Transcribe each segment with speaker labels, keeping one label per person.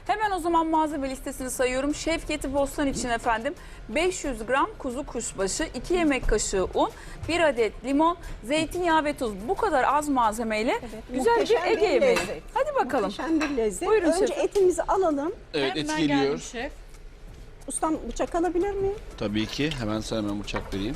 Speaker 1: Hemen o zaman malzeme listesini sayıyorum. Şevketi Bostan için efendim 500 gram kuzu kuşbaşı, 2 yemek kaşığı un, 1 adet limon, zeytinyağı ve tuz. Bu kadar az malzemeyle güzel bir Ege yemeği. Hadi bakalım.
Speaker 2: Muhteşem bir lezzet.
Speaker 1: Buyurun
Speaker 2: Önce
Speaker 1: şefim.
Speaker 2: etimizi alalım.
Speaker 3: Evet, et geliyor.
Speaker 4: Şef.
Speaker 2: Ustam bıçak alabilir miyim?
Speaker 3: Tabii ki. Hemen sana bıçak vereyim.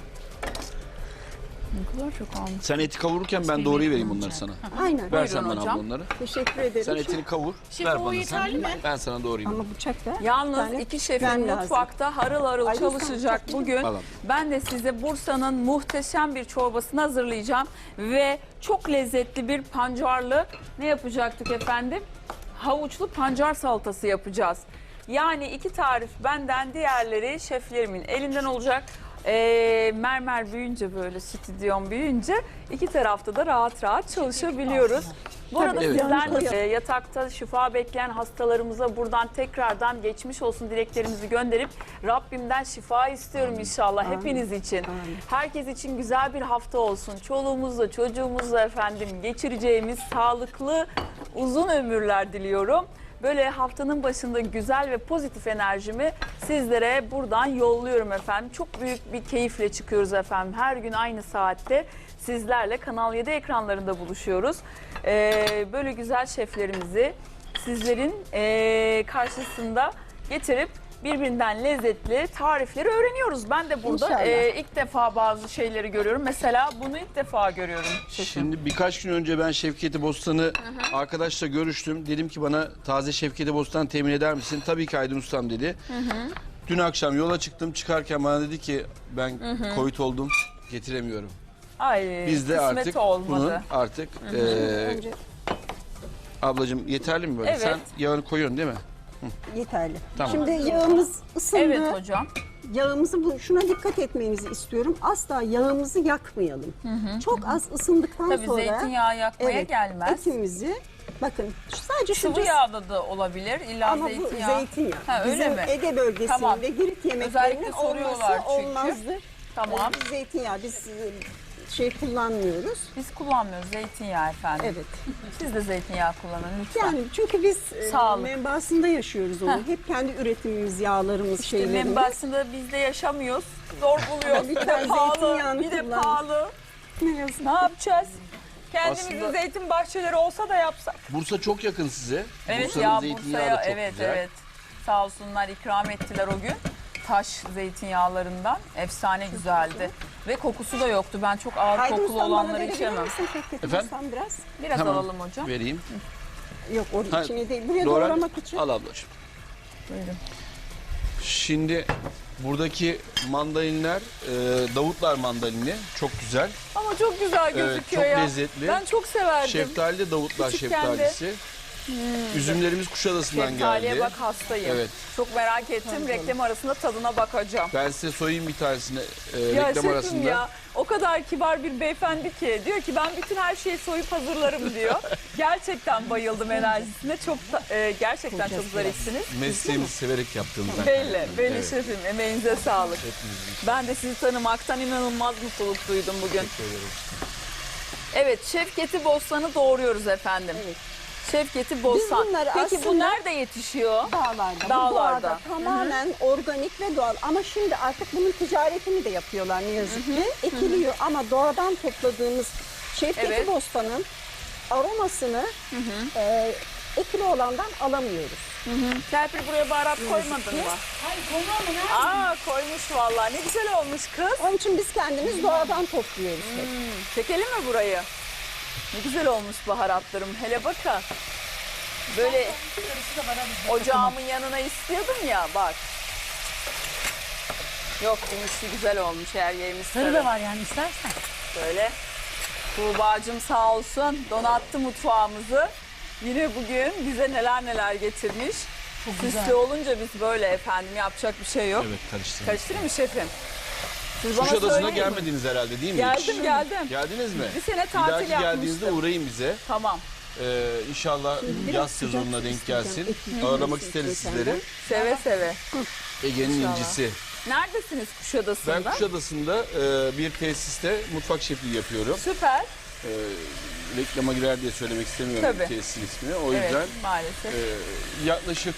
Speaker 1: Ne kadar çok almış.
Speaker 3: Sen eti kavururken ben doğruyu vereyim bunları sana.
Speaker 2: Aynen.
Speaker 3: Ver sen bana
Speaker 1: hocam.
Speaker 3: bunları.
Speaker 2: Teşekkür ederim.
Speaker 3: Sen etini kavur.
Speaker 4: Şef,
Speaker 3: ver
Speaker 4: o
Speaker 3: bana
Speaker 4: yeterli
Speaker 3: sen.
Speaker 4: mi?
Speaker 3: Ben sana doğrayayım.
Speaker 2: Ama bıçak da.
Speaker 1: Yalnız
Speaker 2: Yani
Speaker 1: iki şefim
Speaker 2: ben lazım.
Speaker 1: mutfakta harıl harıl
Speaker 2: Ay,
Speaker 1: çalışacak
Speaker 2: lütfen.
Speaker 1: bugün.
Speaker 3: Alalım.
Speaker 1: Ben de size Bursa'nın muhteşem bir çorbasını hazırlayacağım. Ve çok lezzetli bir pancarlı ne yapacaktık efendim? Havuçlu pancar salatası yapacağız. Yani iki tarif benden, diğerleri şeflerimin elinden olacak. Mermer büyüyünce, böyle stüdyon büyüyünce iki tarafta da rahat rahat çalışabiliyoruz. Bu arada
Speaker 3: Evet.
Speaker 1: sizler de yatakta şifa bekleyen hastalarımıza buradan tekrardan geçmiş olsun dileklerimizi gönderip Rabbimden şifa istiyorum inşallah hepiniz için. Herkes için güzel bir hafta olsun. Çoluğumuzla çocuğumuzla efendim geçireceğimiz sağlıklı uzun ömürler diliyorum. Böyle haftanın başında güzel ve pozitif enerjimi sizlere buradan yolluyorum efendim. Çok büyük bir keyifle çıkıyoruz efendim. Her gün aynı saatte sizlerle Kanal 7 ekranlarında buluşuyoruz. Böyle güzel şeflerimizi sizlerin karşısında getirip birbirinden lezzetli tarifleri öğreniyoruz. Ben de burada
Speaker 2: İnşallah.
Speaker 1: ilk defa bazı şeyleri görüyorum. Mesela bunu ilk defa görüyorum şefim.
Speaker 3: Şimdi birkaç gün önce ben Şevketi Bostan'ı arkadaşla görüştüm. Dedim ki bana taze Şevketi Bostan temin eder misin? Tabii ki Aydın Ustam dedi. Dün akşam yola çıktım. Çıkarken bana dedi ki ben COVID oldum, getiremiyorum.
Speaker 1: Ay,
Speaker 3: Biz de
Speaker 1: kısmet
Speaker 3: artık
Speaker 1: olmadı.
Speaker 3: bunu artık
Speaker 2: Önce
Speaker 3: ablacığım yeterli mi böyle?
Speaker 1: Evet.
Speaker 3: Sen yağını koyuyorsun değil mi?
Speaker 2: yeterli.
Speaker 3: Tamam.
Speaker 2: Şimdi yağımız ısındı.
Speaker 1: Evet hocam.
Speaker 2: Yağımızı şuna dikkat etmenizi istiyorum. Asla yağımızı yakmayalım. Çok az ısındıktan
Speaker 1: Tabii
Speaker 2: sonra
Speaker 1: zeytinyağı yakmaya gelmez.
Speaker 2: etimizi bakın sadece şu
Speaker 1: Sıvı yağda da olabilir. İlla
Speaker 2: ama bu
Speaker 1: zeytinyağı.
Speaker 2: zeytinyağı.
Speaker 1: Ha, öyle
Speaker 2: Bizim
Speaker 1: mi?
Speaker 2: Ege bölgesinde
Speaker 1: Tamam.
Speaker 2: Girit
Speaker 1: Özellikle
Speaker 2: yemeklerinin
Speaker 1: soruyorlar
Speaker 2: olması
Speaker 1: çünkü.
Speaker 2: olmazdı.
Speaker 1: Tamam.
Speaker 2: Biz zeytinyağı şey kullanmıyoruz.
Speaker 1: Biz kullanmıyoruz zeytinyağı efendim.
Speaker 2: Evet.
Speaker 1: Siz de zeytinyağı kullanın lütfen.
Speaker 2: Yani çünkü biz
Speaker 1: Sağlık.
Speaker 2: menbaasında yaşıyoruz onu. Hep kendi üretimimiz, yağlarımız, şeylerimiz.
Speaker 1: Menbaasında biz de yaşamıyoruz. Zor buluyoruz. Bir de
Speaker 2: Lütfen
Speaker 1: pahalı.
Speaker 2: zeytinyağını
Speaker 1: Bir de
Speaker 2: kullan.
Speaker 1: pahalı.
Speaker 2: Ne yazık.
Speaker 1: Ne yapacağız? Kendimizin
Speaker 3: Aslında-
Speaker 1: zeytin bahçeleri olsa da yapsak.
Speaker 3: Bursa çok yakın size.
Speaker 1: Evet
Speaker 3: Bursa'nın
Speaker 1: ya
Speaker 3: zeytinyağı
Speaker 1: Bursa'ya
Speaker 3: da çok
Speaker 1: evet
Speaker 3: güzel.
Speaker 1: evet. Sağ olsunlar ikram ettiler o gün. Taş zeytinyağlarından efsane güzeldi. Ve kokusu da yoktu. Ben çok ağır
Speaker 2: Aydın
Speaker 1: kokulu
Speaker 2: Ustam, bana
Speaker 1: olanları
Speaker 2: verebilir
Speaker 1: içemem.
Speaker 2: misin Şevket
Speaker 3: Efendim?
Speaker 2: Ustam biraz?
Speaker 1: Biraz
Speaker 3: Hemen
Speaker 1: alalım hocam.
Speaker 3: vereyim.
Speaker 2: Yok onun
Speaker 3: Ha,
Speaker 2: içine değil. Buraya
Speaker 3: Doğru.
Speaker 2: doğramak için.
Speaker 3: Al ablacığım.
Speaker 1: Buyurun.
Speaker 3: Şimdi buradaki mandalinler Davutlar mandalini çok güzel.
Speaker 1: Ama çok güzel gözüküyor
Speaker 3: çok
Speaker 1: ya.
Speaker 3: lezzetli.
Speaker 1: Ben çok severdim.
Speaker 3: Şeftali de Davutlar
Speaker 1: Küçükken de.
Speaker 3: şeftalisi. Üzümlerimiz Kuşadası'ndan
Speaker 1: Şeftaliye
Speaker 3: geldi.
Speaker 1: bak hastayım.
Speaker 3: Evet.
Speaker 1: Çok merak ettim. Reklam arasında tadına bakacağım.
Speaker 3: Ben size soyayım bir tanesini
Speaker 1: Ya
Speaker 3: reklam
Speaker 1: şefim
Speaker 3: arasında.
Speaker 1: ya o kadar kibar bir beyefendi ki diyor ki ben bütün her şeyi soyup hazırlarım diyor. Gerçekten bayıldım enerjisine. Gerçekten çok zarifsiniz.
Speaker 3: Mesleğimizi severek yaptığımızdan.
Speaker 1: Belli
Speaker 3: Evet.
Speaker 1: şefim. Emeğinize sağlık.
Speaker 3: Hepimizin.
Speaker 1: Ben de sizi tanımaktan inanılmaz mutluluk duydum bugün.
Speaker 3: Teşekkür ederim.
Speaker 1: Evet, Şevketi Bostan'ı doğuruyoruz efendim.
Speaker 2: Evet.
Speaker 1: Şevketi Bostan.
Speaker 2: bunları
Speaker 1: Peki bu
Speaker 2: aslında-
Speaker 1: nerede yetişiyor?
Speaker 2: Dağlarda. Bu
Speaker 1: Dağlarda.
Speaker 2: doğada tamamen organik ve doğal. Ama şimdi artık bunun ticaretini de yapıyorlar ne yazık ki. Ekiliyor ama doğadan topladığımız Şevketi
Speaker 1: Evet.
Speaker 2: Bostan'ın aromasını ekili olandan alamıyoruz.
Speaker 1: Serpil buraya baharat koymadın mı?
Speaker 4: Hayır koyma ama
Speaker 1: Aa koymuş vallahi. Ne güzel olmuş kız.
Speaker 2: Onun için biz kendimiz doğadan topluyoruz. hep.
Speaker 1: Çekelim mi burayı? Ne güzel olmuş baharatlarım. Hele bakın. Böyle ocağımın yanına istiyordum ya bak. Yok demişti güzel olmuş her yerimiz
Speaker 4: sarı da var yani istersen.
Speaker 1: Böyle. Tuğba'cığım sağ olsun donattı mutfağımızı. Yine bugün bize neler neler getirmiş. Süslü olunca biz böyle efendim yapacak bir şey yok.
Speaker 3: Evet karıştırdım.
Speaker 1: Karıştırayım mı şefim? Siz bana
Speaker 3: Kuşadası'na
Speaker 1: söyleyin.
Speaker 3: gelmediniz herhalde değil mi hiç?
Speaker 1: Geldim.
Speaker 3: Geldiniz mi?
Speaker 1: Bir sene
Speaker 3: Bir
Speaker 1: tatil
Speaker 3: dahaki geldiğinizde
Speaker 1: yapmıştım.
Speaker 3: uğrayın bize.
Speaker 1: Tamam.
Speaker 3: İnşallah yaz sezonuna denk gelsin. Ağırlamak isteriz sizleri.
Speaker 1: Seve seve.
Speaker 3: Ege'nin
Speaker 1: İnşallah.
Speaker 3: incisi.
Speaker 1: Neredesiniz Kuşadası'nda?
Speaker 3: Ben Kuşadası'nda bir tesiste mutfak şefliği yapıyorum.
Speaker 1: Süper.
Speaker 3: reklama girer diye söylemek istemiyorum
Speaker 1: Tabii.
Speaker 3: tesisin ismini. O
Speaker 1: Evet,
Speaker 3: yüzden
Speaker 1: maalesef.
Speaker 3: yaklaşık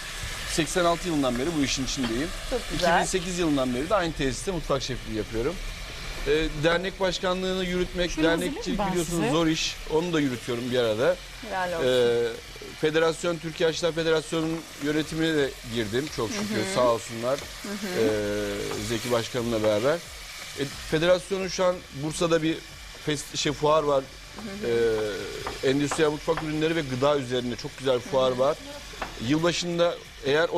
Speaker 3: 86 yılından beri bu işin içindeyim.
Speaker 1: Çok güzel.
Speaker 3: 2008 yılından beri de aynı tesiste mutfak şefliği yapıyorum. Dernek başkanlığını yürütmek,
Speaker 4: Şunu
Speaker 3: dernekçilik
Speaker 4: hazırlayayım ben
Speaker 3: biliyorsunuz
Speaker 4: size.
Speaker 3: zor iş. Onu da yürütüyorum bir arada.
Speaker 1: Helal olsun.
Speaker 3: Federasyon, Türkiye Aşçılar Federasyonu'nun yönetimine de girdim çok şükür sağ olsunlar. Zeki Başkanımla beraber. Federasyonun şu an Bursa'da bir fuar var. Endüstriyel mutfak ürünleri ve gıda üzerine çok güzel bir fuar var. Yılbaşında eğer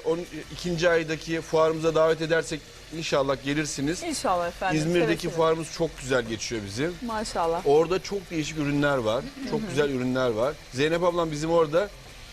Speaker 3: 12. aydaki fuarımıza davet edersek inşallah gelirsiniz.
Speaker 1: İnşallah efendim.
Speaker 3: İzmir'deki
Speaker 1: seve seve.
Speaker 3: fuarımız çok güzel geçiyor bizim.
Speaker 1: Maşallah.
Speaker 3: Orada çok değişik ürünler var. Çok güzel ürünler var. Zeynep ablam bizim orada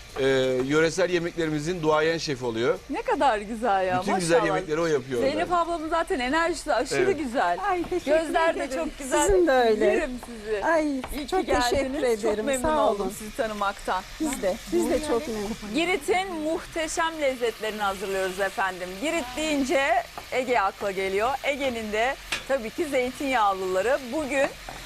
Speaker 3: yöresel yemeklerimizin duayen şefi oluyor.
Speaker 1: Ne kadar güzel ya
Speaker 3: Bütün
Speaker 1: maşallah.
Speaker 3: güzel yemekleri o yapıyor.
Speaker 1: Zeynep ablamın zaten enerjisi aşırı
Speaker 3: Evet.
Speaker 1: güzel.
Speaker 2: Ay, teşekkür
Speaker 1: Gözler de
Speaker 2: ederim.
Speaker 1: çok güzel.
Speaker 2: Sizin de öyle.
Speaker 1: Yerim sizi.
Speaker 2: Ay
Speaker 1: İyi ki
Speaker 2: çok
Speaker 1: geldiniz.
Speaker 2: teşekkür ederim.
Speaker 1: Çok memnun
Speaker 2: Sağ
Speaker 1: oldum
Speaker 2: olun.
Speaker 1: sizi tanımaktan.
Speaker 2: Biz de çok memnun.
Speaker 1: Girit'in muhteşem lezzetlerini hazırlıyoruz efendim. Girit deyince Ege akla geliyor. Ege'nin de tabii ki zeytinyağlıları. Bugün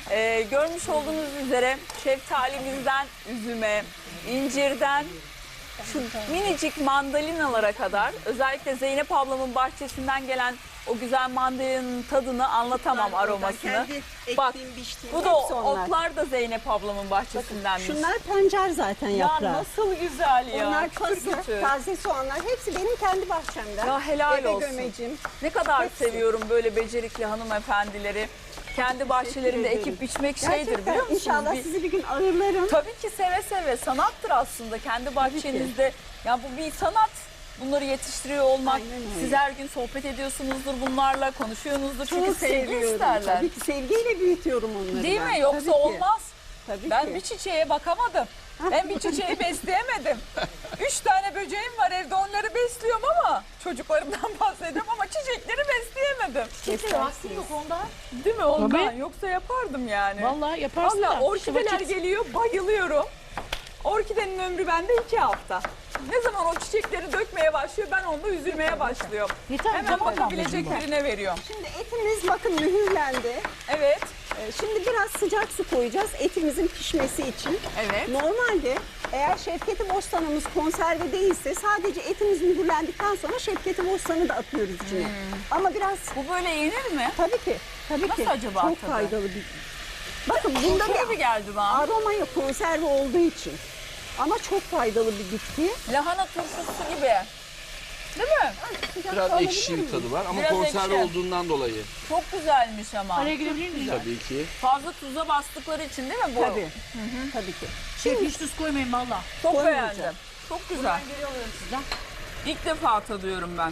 Speaker 1: görmüş olduğunuz üzere şeftalimizden üzüme, incirden şu minicik mandalinalara kadar, özellikle Zeynep ablamın bahçesinden gelen o güzel mandalinanın tadını anlatamam, aromasını. Bak, bu da otlar da Zeynep ablamın bahçesindenmiş.
Speaker 2: Şunlar pancar zaten
Speaker 1: Ya
Speaker 2: yaprağı.
Speaker 1: nasıl güzel ya.
Speaker 2: Onlar
Speaker 1: Kütür
Speaker 2: pası,
Speaker 1: kütür.
Speaker 2: taze soğanlar hepsi benim kendi bahçemden.
Speaker 1: Ya helal
Speaker 2: Eve
Speaker 1: olsun.
Speaker 2: gömecim.
Speaker 1: Ne kadar
Speaker 2: Hepsi.
Speaker 1: seviyorum böyle becerikli hanımefendileri. Kendi bahçelerinde
Speaker 2: ederim.
Speaker 1: ekip biçmek şeydir
Speaker 2: Gerçekten
Speaker 1: biliyor musunuz?
Speaker 2: İnşallah sizi bir gün ağırlarım.
Speaker 1: Tabii ki seve seve, sanattır aslında kendi bahçenizde. Ya bu bir sanat. Bunları yetiştiriyor olmak.
Speaker 2: Aynen öyle.
Speaker 1: Siz her gün sohbet ediyorsunuzdur bunlarla, konuşuyorsunuzdur. Çünkü
Speaker 2: Çok
Speaker 1: sevgi
Speaker 2: seviyorum.
Speaker 1: isterler.
Speaker 2: Tabii ki sevgiyle büyütüyorum onları.
Speaker 1: Değil
Speaker 2: ben.
Speaker 1: mi? Yoksa
Speaker 2: Tabii ki.
Speaker 1: olmaz.
Speaker 2: Tabii
Speaker 1: Ben
Speaker 2: ki.
Speaker 1: bir çiçeğe bakamadım. Ben bir çiçeği besleyemedim. 3 tane böceğim var evde, onları besliyorum ama çocuklarımdan bahsediyorum ama çiçekleri besleyemedim.
Speaker 4: Kimse vakti yok ondan.
Speaker 1: Değil mi ondan?
Speaker 4: Tabii.
Speaker 1: Yoksa yapardım yani.
Speaker 4: Vallahi yaparsın
Speaker 1: Valla
Speaker 4: da.
Speaker 1: orkideler
Speaker 4: İşte vakit-
Speaker 1: geliyor, bayılıyorum. Orkidenin ömrü bende 2 hafta. Ne zaman o çiçekleri dökmeye başlıyor, ben onda üzülmeye başlıyorum.
Speaker 4: Yeter,
Speaker 1: Hemen
Speaker 4: tamam
Speaker 1: bakabilecek
Speaker 4: ablacığım.
Speaker 1: birine veriyorum.
Speaker 2: Şimdi etimiz bakın mühürlendi.
Speaker 1: Evet,
Speaker 2: Şimdi biraz sıcak su koyacağız etimizin pişmesi için.
Speaker 1: evet.
Speaker 2: Normalde eğer şefketi bostanımız konserve değilse sadece etimiz mühürlendikten sonra şefketi bostanı da atıyoruz içine. Ama biraz
Speaker 1: Bu böyle yenir mi?
Speaker 2: tabii ki
Speaker 1: Nasıl acaba
Speaker 2: çok
Speaker 1: tadı?
Speaker 2: faydalı bir. Bakın bunda
Speaker 1: Çok
Speaker 2: bir
Speaker 1: gibi geldi bana.
Speaker 2: aroma yok konserve olduğu için. Ama çok faydalı bir bitki.
Speaker 1: Lahana turşusu gibi. Değil mi?
Speaker 3: Biraz
Speaker 2: Alabilir
Speaker 3: ekşi bir
Speaker 2: miyim?
Speaker 3: tadı var ama
Speaker 1: Biraz
Speaker 3: konserve
Speaker 1: ekşi.
Speaker 3: olduğundan dolayı
Speaker 1: Çok güzelmiş ama.
Speaker 4: Araya girebilir miyim?
Speaker 3: tabii ki.
Speaker 1: Fazla tuza bastıkları için değil mi bu?
Speaker 2: Tabii. Tabii ki.
Speaker 4: Şef hiç tuz koymayın valla.
Speaker 1: Çok
Speaker 2: Koymayacağım.
Speaker 1: beğendim. Çok güzel.
Speaker 4: Geri alıyorum sizden.
Speaker 1: İlk defa tadıyorum ben.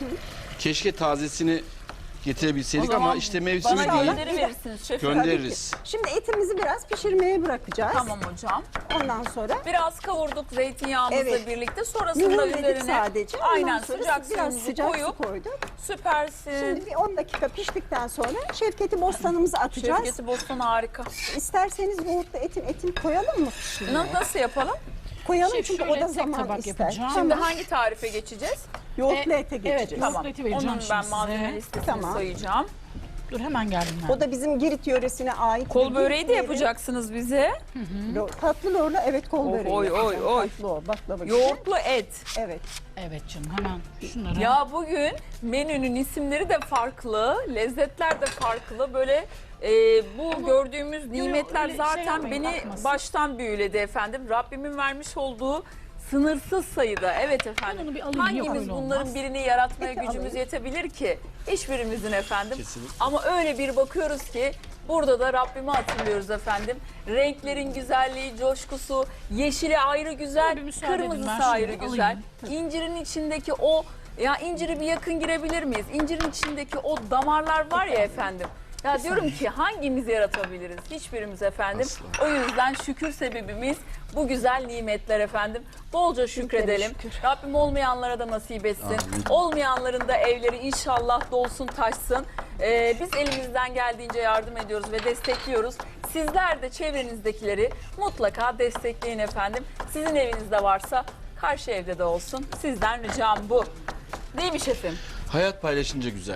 Speaker 3: Keşke tazesini getirebilseydik
Speaker 1: O zaman
Speaker 3: ama işte mevsimi
Speaker 1: Bana
Speaker 3: değil.
Speaker 1: gönderiverirsiniz şefim.
Speaker 3: Göndeririz.
Speaker 2: Şimdi etimizi biraz pişirmeye bırakacağız.
Speaker 1: Tamam hocam.
Speaker 2: Ondan sonra
Speaker 1: Biraz kavurduk zeytinyağımızla
Speaker 2: Evet.
Speaker 1: birlikte. Sonrasında
Speaker 2: mühürledik
Speaker 1: üzerine
Speaker 2: sadece. Ondan
Speaker 1: aynen
Speaker 2: sonra
Speaker 1: sıcak
Speaker 2: biraz
Speaker 1: suyumuzu
Speaker 2: sıcak
Speaker 1: koyup
Speaker 2: su koyduk.
Speaker 1: süpersin.
Speaker 2: Şimdi bir 10 dakika piştikten sonra şefketi bostanımızı atacağız.
Speaker 1: Şevketi Bostan harika.
Speaker 2: İsterseniz yoğurtlu etin koyalım mı?
Speaker 1: Nasıl yapalım?
Speaker 2: Koyalım
Speaker 4: Şef,
Speaker 2: çünkü
Speaker 4: şöyle
Speaker 2: o da
Speaker 4: tek
Speaker 2: zaman
Speaker 4: tabak
Speaker 2: ister.
Speaker 4: yapacağım.
Speaker 1: Şimdi
Speaker 2: Tamam.
Speaker 1: hangi tarife geçeceğiz?
Speaker 2: Yoğurtlu ete geçeceğiz.
Speaker 4: evet,
Speaker 1: Tamam.
Speaker 4: eti vereceğim
Speaker 1: Onun
Speaker 4: şimdi
Speaker 1: ben
Speaker 4: size.
Speaker 1: malzeme listesini
Speaker 2: Tamam.
Speaker 1: sayacağım.
Speaker 4: Dur hemen geldim ben.
Speaker 2: O da bizim Girit yöresine ait.
Speaker 1: Kol
Speaker 2: bir
Speaker 1: böreği de
Speaker 2: Girit
Speaker 1: yapacaksınız bize.
Speaker 2: Tatlı lorlu evet kol
Speaker 1: Oy,
Speaker 2: böreği.
Speaker 1: oy,
Speaker 2: yapacağım.
Speaker 1: oy, oy.
Speaker 2: Tatlı o baklava gibi.
Speaker 1: Yoğurtlu et.
Speaker 2: Evet.
Speaker 4: Evet canım hemen şunları.
Speaker 1: Ya bugün menünün isimleri de farklı, lezzetler de farklı. Böyle bu gördüğümüz nimetler
Speaker 4: öyle şey
Speaker 1: zaten
Speaker 4: yapmayın,
Speaker 1: beni
Speaker 4: akmasın.
Speaker 1: baştan büyüledi efendim. Rabbimin vermiş olduğu sınırsız sayıda. Evet
Speaker 4: Ben
Speaker 1: efendim.
Speaker 4: onu bir alayım, yok
Speaker 1: Hangimiz
Speaker 4: öyle
Speaker 1: bunların
Speaker 4: olmaz.
Speaker 1: birini yaratmaya
Speaker 2: Peki,
Speaker 1: gücümüz
Speaker 2: alayım.
Speaker 1: yetebilir ki? Hiçbirimizin efendim.
Speaker 3: Kesinlikle.
Speaker 1: Ama öyle bir bakıyoruz ki burada da Rabbimi hatırlıyoruz efendim. Renklerin güzelliği, coşkusu, yeşili ayrı güzel,
Speaker 4: Bir müsaade edin,
Speaker 1: kırmızısı
Speaker 4: ben şunu
Speaker 1: ayrı
Speaker 4: alayım.
Speaker 1: güzel. İncirin içindeki o, ya inciri bir yakın girebilir miyiz? İncirin içindeki o damarlar var ya efendim. Ya diyorum ki hangimiz yaratabiliriz? Hiçbirimiz efendim.
Speaker 3: Asla.
Speaker 1: O yüzden şükür sebebimiz bu güzel nimetler efendim. Bolca şükredelim. Rabbim olmayanlara da nasip etsin.
Speaker 3: Amin.
Speaker 1: Olmayanların da evleri inşallah dolsun taşsın. Biz elimizden geldiğince yardım ediyoruz ve destekliyoruz. Sizler de çevrenizdekileri mutlaka destekleyin efendim. Sizin evinizde varsa karşı evde de olsun. Sizden ricam bu. Değil mi şefim?
Speaker 3: Hayat paylaşınca güzel.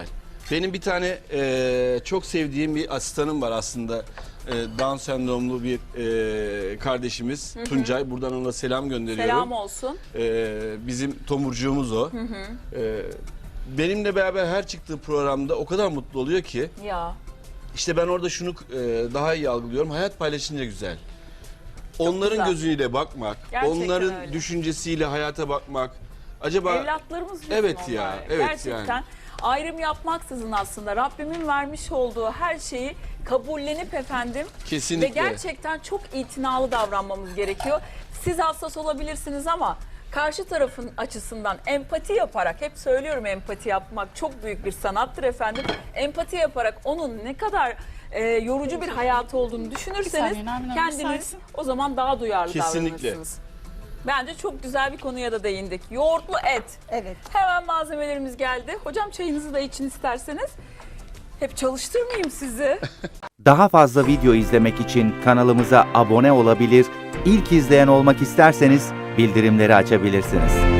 Speaker 3: Benim bir tane çok sevdiğim bir asistanım var aslında. Down sendromlu bir kardeşimiz Tuncay. Buradan ona selam gönderiyorum.
Speaker 1: Selam olsun.
Speaker 3: Bizim tomurcuğumuz o. Benimle beraber her çıktığı programda o kadar mutlu oluyor ki.
Speaker 1: Ya.
Speaker 3: İşte ben orada şunu daha iyi algılıyorum. Hayat paylaşınca güzel. Onların
Speaker 1: güzel.
Speaker 3: gözüyle bakmak,
Speaker 1: Gerçekten
Speaker 3: onların
Speaker 1: öyle.
Speaker 3: düşüncesiyle hayata bakmak. Acaba
Speaker 1: Evlatlarımız bizim
Speaker 3: Evet
Speaker 1: onlar.
Speaker 3: ya, evet
Speaker 1: Gerçekten
Speaker 3: yani.
Speaker 1: ayrım yapmaksızın aslında Rabbimin vermiş olduğu her şeyi kabullenip efendim
Speaker 3: Kesinlikle.
Speaker 1: ve gerçekten çok itinalı davranmamız gerekiyor. Siz hassas olabilirsiniz ama karşı tarafın açısından empati yaparak, hep söylüyorum, empati yapmak çok büyük bir sanattır efendim. Empati yaparak onun ne kadar yorucu bir hayatı olduğunu düşünürseniz
Speaker 4: saniye, Nermin Hanım,
Speaker 1: kendiniz
Speaker 4: müsaitsin.
Speaker 1: o zaman daha duyarlı
Speaker 3: Kesinlikle.
Speaker 1: davranırsınız. Bence çok güzel bir konuya da değindik. Yoğurtlu et.
Speaker 2: Evet.
Speaker 1: Hemen malzemelerimiz geldi. Hocam çayınızı da için isterseniz. Hep çalıştırmayayım sizi.
Speaker 5: Daha fazla video izlemek için kanalımıza abone olabilir, ilk izleyen olmak isterseniz bildirimleri açabilirsiniz.